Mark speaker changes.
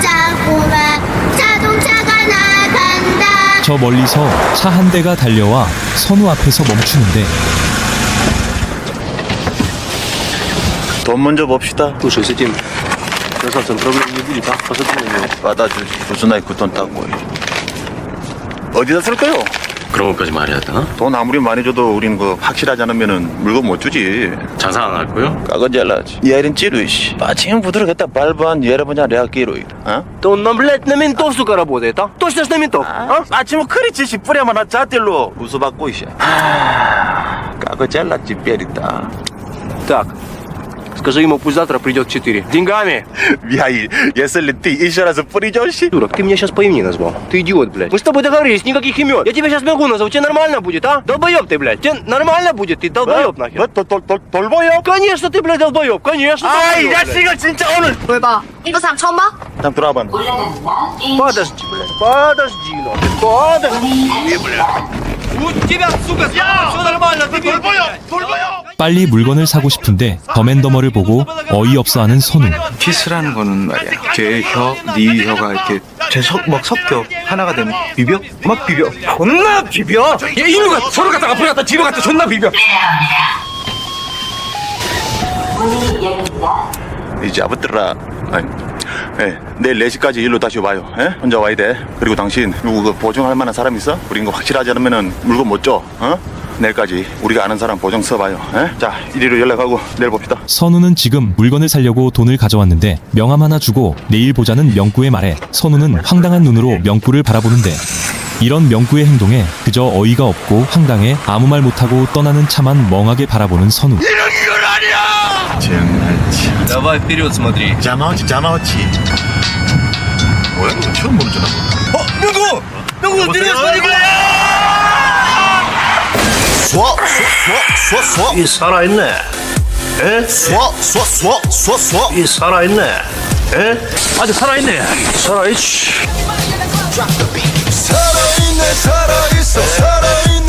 Speaker 1: 자꾸만 자동차가 나간다.
Speaker 2: 저 멀리서 차 한 대가 달려와 선우 앞에서 멈추는데
Speaker 3: 돈 먼저 봅시다.
Speaker 4: Слушай, с этим красавцем проблем не будет, а? Посмотри на него.
Speaker 3: 받아주지. 무슨 나이 그 돈 따고. 어디다 쓸까요?
Speaker 4: 그런 것까지 말해야 되나?
Speaker 3: 돈 아무리 많이 줘도 우리는 그 확실하지 않으면은 물건 못 주지.
Speaker 4: 장사 안 할 거요?
Speaker 3: 까건 잘라지. 얘는 찌르시. 빠칭 부드럽겠다. 발반 여러분야 내가 끼로. 어?
Speaker 4: Да он, блядь, на ментов, сука, работает, а? Точно ж на ментов, а?
Speaker 3: 아침 크리치 씨 뿌려만 한 자들로 우수받고 있어. 까거 잘랐지 뼈리다.
Speaker 4: Так, скажи ему, пусть завтра придет в 4. Деньгами!
Speaker 3: 미하이 예슬리 띠 이셔라서 뿌리죠 씨.
Speaker 4: Дурак, ты меня сейчас по имени назвал. Ты идиот, блядь. Мы с тобой договорились, никаких имен. Я тебя сейчас могу назвать, тебе нормально будет, а? Долбоеб ты, блядь. Тебе нормально будет, ты долбоеб нахер.
Speaker 3: 돌보요?
Speaker 4: Конечно, ты, блядь, долбоеб, конечно.
Speaker 3: 아이
Speaker 4: долбоеб, блядь.
Speaker 3: 자식아 진짜 오늘.
Speaker 1: 뭘 봐? 이거 사람 처음 봐?
Speaker 3: 잠 들어와봐.
Speaker 4: Подожди, блядь, подожди, нахер, подожди, блядь. У тебя, сука, все нормально, ты
Speaker 3: 돌보요.
Speaker 2: 빨리 물건을 사고 싶은데 더맨더머를 보고 어이없어하는 선우.
Speaker 5: 키스라는 거는 말이야. 걔 혀, 네 혀가 이렇게 막 섞여 하나가 되면 비벼? 막 비벼. 존나 비벼. 얘 이누가 서로 갔다 앞으로 갔다 뒤로 갔다 존나 비벼.
Speaker 3: 이제 아부들라. 예, 내일 4시까지 일로 다시 와요. 예? 혼자 와야 돼. 그리고 당신 누구 그 보증할 만한 사람 있어? 우린 거 확실하지 않으면은 물건 못 줘. 어? 내일까지 우리가 아는 사람 보증 써봐요. 예? 자, 이리로 연락하고 내일 봅시다.
Speaker 2: 선우는 지금 물건을 사려고 돈을 가져왔는데 명함 하나 주고 내일 보자는 명구의 말에 선우는 황당한 눈으로 명구를 바라보는데 이런 명구의 행동에 그저 어이가 없고 황당해 아무 말 못하고 떠나는 차만 멍하게 바라보는 선우.
Speaker 3: 정말 참.
Speaker 4: Давай вперед смотри.
Speaker 3: 자마오치. 뭐야? 이거 처음 보는 전화.
Speaker 4: 명구, ты смотри,
Speaker 6: 이 살아있네. 에? 이 살아있네. 에? 아직 살아있네. 살아있지.
Speaker 7: 살아있네 살아있어 살아있네